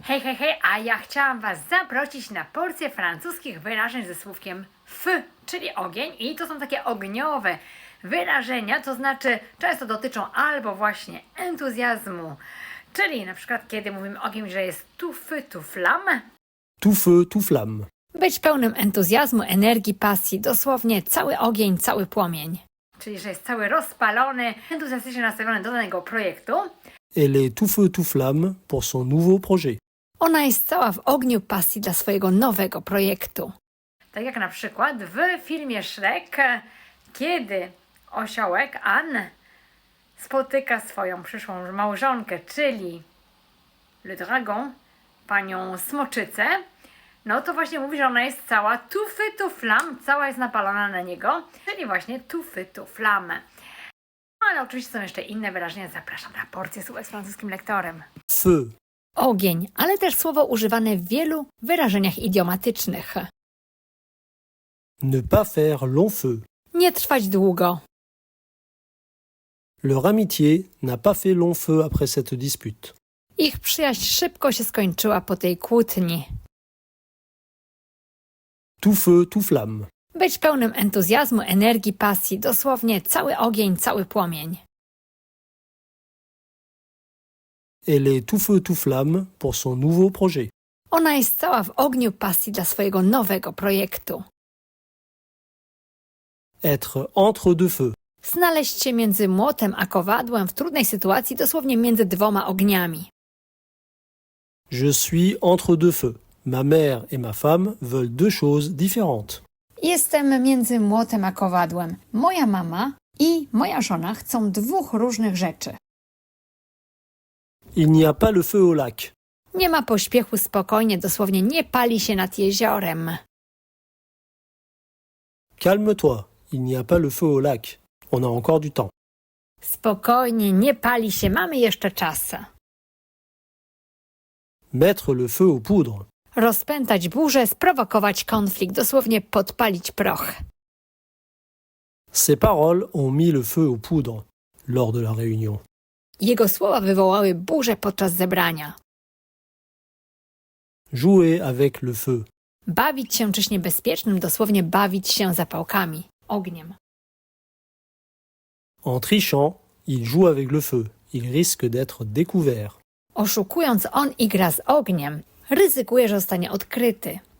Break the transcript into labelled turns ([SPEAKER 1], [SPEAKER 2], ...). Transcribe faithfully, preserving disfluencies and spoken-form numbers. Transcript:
[SPEAKER 1] Hej, hej, hej, a ja chciałam Was zaprosić na porcję francuskich wyrażeń ze słówkiem feu, czyli ogień, i to są takie ogniowe wyrażenia, to znaczy często dotyczą albo właśnie entuzjazmu, czyli na przykład kiedy mówimy o kimś, że jest tout feu, tout flamme,
[SPEAKER 2] Tout feu, tout flamme.
[SPEAKER 3] Być pełnym entuzjazmu, energii, pasji, dosłownie cały ogień, cały płomień.
[SPEAKER 1] czyli że jest cały rozpalony, entuzjastycznie nastawiony do danego projektu.
[SPEAKER 2] Elle est tout feu, tout flamme pour son nouveau projet.
[SPEAKER 3] Ona jest cała w ogniu pasji dla swojego nowego projektu.
[SPEAKER 1] Tak jak na przykład w filmie Shrek, kiedy osiołek Anne spotyka swoją przyszłą małżonkę, czyli Le Dragon, panią Smoczycę, no to właśnie mówi, że ona jest cała tout feu, tout flamme, cała jest napalona na niego, czyli właśnie tout feu, tout flamme. Ale oczywiście są jeszcze inne wyrażenia. Zapraszam na porcję słówek z francuskim lektorem.
[SPEAKER 2] Feu,
[SPEAKER 3] Ogień, ale też słowo używane w wielu wyrażeniach idiomatycznych.
[SPEAKER 2] ne pas faire long feu.
[SPEAKER 3] Nie trwać długo.
[SPEAKER 2] Leur amitié n'a pas fait long feu après cette dispute.
[SPEAKER 3] Ich przyjaźń szybko się skończyła po tej kłótni.
[SPEAKER 2] Tout feu, tout flamme.
[SPEAKER 3] Być pełnym entuzjazmu, energii, pasji, dosłownie cały ogień, cały płomień.
[SPEAKER 2] Elle est tout feu, tout flamme pour son nouveau projet.
[SPEAKER 3] Ona jest cała w ogniu pasji dla swojego nowego projektu.
[SPEAKER 2] Être entre deux feux.
[SPEAKER 3] Znaleźć się między młotem a kowadłem w trudnej sytuacji, dosłownie między dwoma ogniami.
[SPEAKER 2] Je suis entre deux feux. Ma mère et ma femme veulent deux choses différentes.
[SPEAKER 3] Jestem między młotem a kowadłem. Moja mama i moja żona chcą dwóch różnych rzeczy.
[SPEAKER 2] Il n'y a pas le feu au lac.
[SPEAKER 3] Nie ma pośpiechu, spokojnie, dosłownie nie pali się nad jeziorem.
[SPEAKER 2] Calme-toi. Il n'y a pas le feu au lac. On a encore du temps.
[SPEAKER 3] Spokojnie, nie pali się, mamy jeszcze czas.
[SPEAKER 2] Mettre le feu aux poudres.
[SPEAKER 3] Rozpętać burzę, sprowokować konflikt, dosłownie podpalić proch.
[SPEAKER 2] Ces paroles ont mis le feu aux poudres lors de la réunion.
[SPEAKER 3] Jego słowa wywołały burzę podczas zebrania.
[SPEAKER 2] Jouer avec le feu.
[SPEAKER 3] Bawić się czymś niebezpiecznym, dosłownie bawić się zapałkami, ogniem.
[SPEAKER 2] En trichant, il joue avec le feu. Il risque d'être découvert.
[SPEAKER 3] Oszukując, on igra z ogniem. Ryzykuje, że zostanie odkryty.